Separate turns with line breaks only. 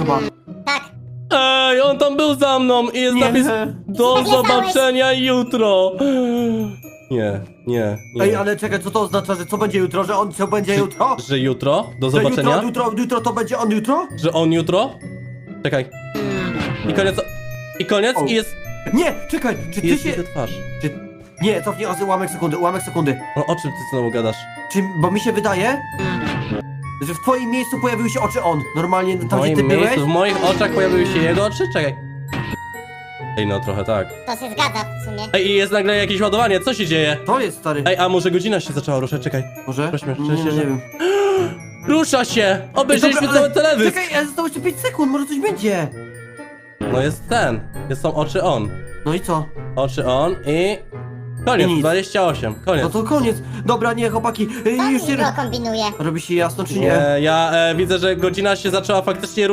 chyba.
Tak.
Ej, on tam był za mną i jest
Nie.
napis do
Nie
zobaczenia jutro. Nie.
Ej, ale czekaj, co to oznacza, że co będzie jutro? Że on co będzie jutro?
Że jutro? Do
Że
zobaczenia?
jutro to będzie on jutro?
Że on jutro? Czekaj. I koniec. I koniec
O.
i jest.
Nie, czekaj, czy ty
Jest
się...
jego twarz.
Nie, cofnij ułamek sekundy.
No o czym ty znowu gadasz?
Bo mi się wydaje, że w twoim miejscu pojawiły się oczy on. Normalnie
W
tam, gdzie ty
moim
byłeś.
miejscu, w moich oczach pojawiły się jego oczy? Czekaj. Ej, no trochę tak.
To się zgadza w sumie.
Ej, i jest nagle jakieś ładowanie, co się dzieje?
To jest, stary.
Ej, a może godzina się zaczęła ruszać? Czekaj.
Może?
Prośmy,
Nie wiem.
Rusza się! Obejrzeliśmy
Dobra,
cały teledysk!
Czekaj, ale zostało jeszcze 5 sekund, może coś będzie.
No jest ten. Są oczy on.
No i co?
Oczy on i... Koniec,
I nic.
28, koniec.
No to koniec. Dobra, nie, chłopaki,
Co
już
mi
nie...
go kombinuje?
Robi się jasno, czy
Nie, ja widzę, że godzina się zaczęła faktycznie